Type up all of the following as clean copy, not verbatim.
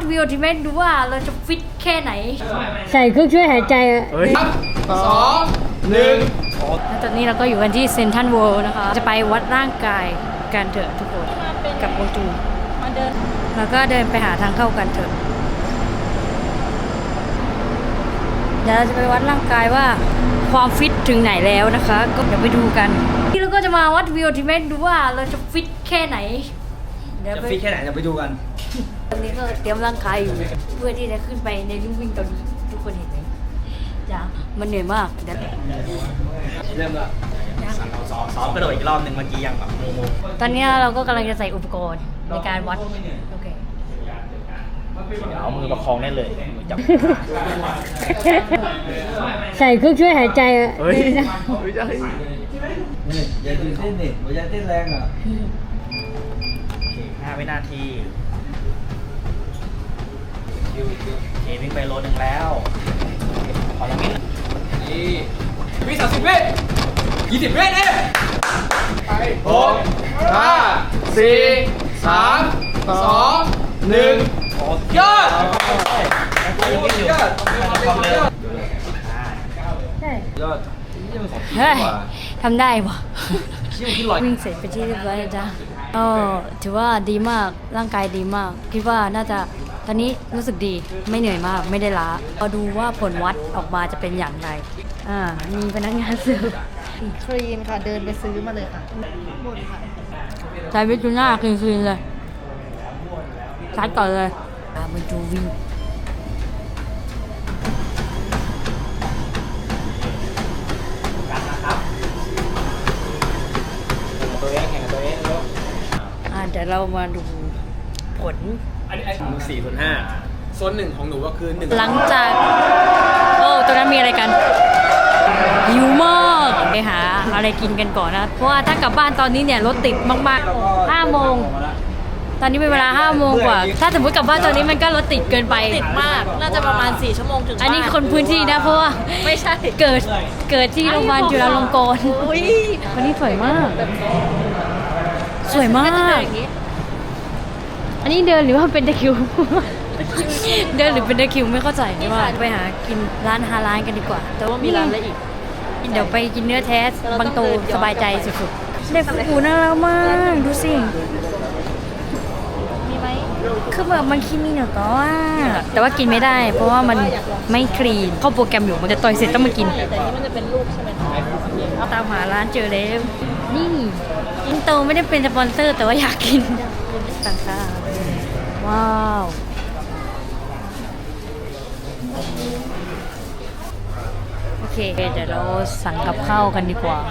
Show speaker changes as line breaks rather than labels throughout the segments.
วิวที่ไม่ดูว่าเราจะฟิตแค่ไหน
ใส่เครื่องช่วยหายใจ
ครับ2 1
ตอนนี้เราก็อยู่กันที่เซนทรัลเวิลด์นะคะจะไปวัดร่างกายกันเถอะทุกคนกับโมจูแล้วก็เดินไปหาทางเข้ากันเถอะเดี๋ยวเราจะไปวัดร่างกายว่าความฟิตถึงไหนแล้วนะคะก็เดี๋ยวไปดูกันที่เราก็จะมาวัดวิวที่ไม่ดูว่าเราจะฟิตแค่ไหน
จะฟิตแค่ไหนเดี๋ยวไปดูกัน
ตอนนี้ก็เตรียมร่างกายอยู่เพื่อที่จะขึ้นไปในลู่วิ่งตอนนี้ทุกคนเห็นไหมจ้ามันเหนื่อยมากเดี๋ยว
เริ่มละซ้อมกระโดดอีกรอบหนึ่งเมื่อกี้ยังแบบโม
ตอนนี้เราก็กำลังจะใส่อุปกรณ์ในการวัดโอเค
เอามือประคองได้เลยจับ
ใส่เครื่องช่วยหายใจ
เฮ้ยไม่ใช่นี่อย่าตื่นเต้นดิอย่าเต้นแรงอ่ะ5 วินาทีวิ่งไปโลนึงแล้วขอละมิดนี่วิ30 วิ20 วินี่ไป6 5 4 3 2 1ยอดยอดยอด
เฮ้ยทำได้ปะวิ่งเสร็จไปที่เรียบร้อยแล้วจ้าถือว่าดีมากร่างกายดีมากคิดว่าน่าจะตอนนี้รู้สึกดีไม่เหนื่อยมากไม่ได้ล้าเราดูว่าผลวัดออกมาจะเป็นอย่างไรมีพนักงานซื้อ
ครีนค่ะเดินไปซื้อมาเลยค่ะหมดค่ะ
ใช้วิจูน่าคลีนเลยชัดก่อนเลยมาดูวิวเดี๋ยวเรามาดูผล
อันนี้4/5โซน1ของหนูก็คือ1
หลังจากตอนนั้นมีอะไรกันหิวมากไปหาอะไรกินกันก่อนนะเพราะว่าถ้ากลับบ้านตอนนี้เนี่ยรถติดมากๆ5 โมงตอนนี้เป็นเวลา5 โมงกว่าถ้าสมมติกลับบ้านตอนนี้มันก็รถติดเกินไป
ติดมากน่าจะประมาณ4 ชั่วโมงถึง
อันนี้คนพื้นที่นะเพราะว่า
ไม่ใช่
เกิดที่โรงพยาบาลจุฬาลงกรณ์วันนี้สวยมากสวยมากอันนี้เดินหรือว่าเป็นตะคิวเดินหรือเป็นตะคิวไม่เข้าใจว่าไปหากินร้านกันดีกว่า
แต่ว่ามีร้านอะไรอีก
เดี๋ยวไปกินเนื้อแท้บางโตสบายใจสุดๆเด็กฟูน่ารักมากดูสิ
มีไหม
คือแบบมันคิมิโนโตะแต่ว่ากินไม่ได้เพราะว่ามันไม่คลีนเข้าโปรแกรมอยู่มันจะต่อยเสร็จต้องมากิน
แต่นี่มันจะเป็นลูกใช่ไหม
เอาตามหาร้านเจอแล้วนี่อินโตไม่ได้เป็นสปอนเซอร์แต่ว่าอยากกินต่างค่ะว้าวโอเคเดี๋ยวเราสั่งกับข้าวกันดีกว่า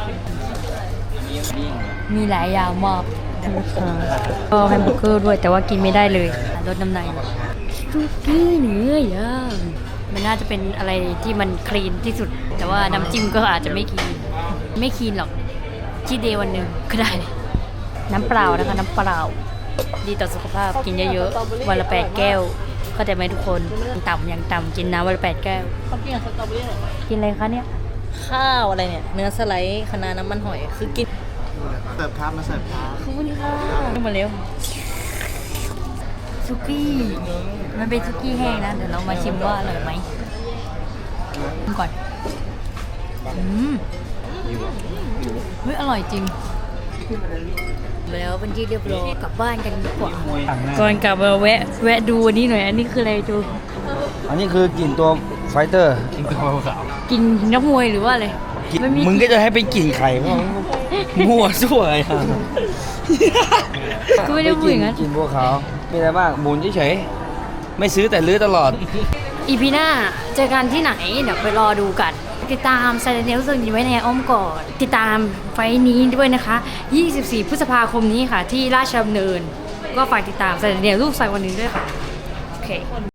มีหลายอย่างมากก็แฮมเบอร์เกอร์ด้วยแต่ว่ากินไม่ได้เลยลดน้ำหนักซุกี้เนื้อย่างมันน่าจะเป็นอะไรที่มันคลีนที่สุดแต่ว่าน้ำจิ้มก็อาจจะไม่คลีนหรอกชีทเดย์วันหนึ่งก็ได้น้ำเปล่านะคะน้ำเปล่าดีต่อสุขภาพกินเยอะๆวันละ8 แก้วเข้าใจไหมทุกคนอย่างต่ำกินน้ำวันละ8 แก้ว
เขากินสตรอเบอรี่
กินอะไรคะเนี่ย
ข้าวอะไรเนี่ยเนื้อสไลด์คะน้าน้ำมันหอยคือกิน
เสิร์ฟครับมาเสิร์ฟครับ
ขอบคุณค่ะมาเร็วซุกี้มันเป็นซุกี้แห้งนะเดี๋ยวเรามาชิมว่าอร่อยไหมก่อนเฮ้ยอร่อยจริงแล้วเป็นที่เรียบร้อยกลับบ้านกันดีกว่าก่อนกลับมาแวะดูอันนี้หน่อยอันนี้คืออะไรจู
อันนี้คือกลิ่นตัวไฟเตอร์กลิ่นตัวขาว
กินนักมวยหรือว่าอะไร
มึงก็จะให้เป็นกลิ่นไข่มั่วซั่วอะไร
ก็ไม่ได้พูดอย่างนั้น
กลิ่นบัวขาวมีอะไรบ้างหมุนเฉยๆไม่ซื้อแต่ลื้อตลอด
อีพีหน้าเจอกันที่ไหนเดี๋ยวไปรอดูกันติดตามไซเรนเนลซึ่งอยู่ไว้ในอ้อมกอดติดตามไฟนี้ด้วยนะคะ24 พฤษภาคมนี้ค่ะที่ราชดำเนินก็ฝากติดตามไซเรนเนลลูกใส่วันนี้ด้วยค่ะโอเค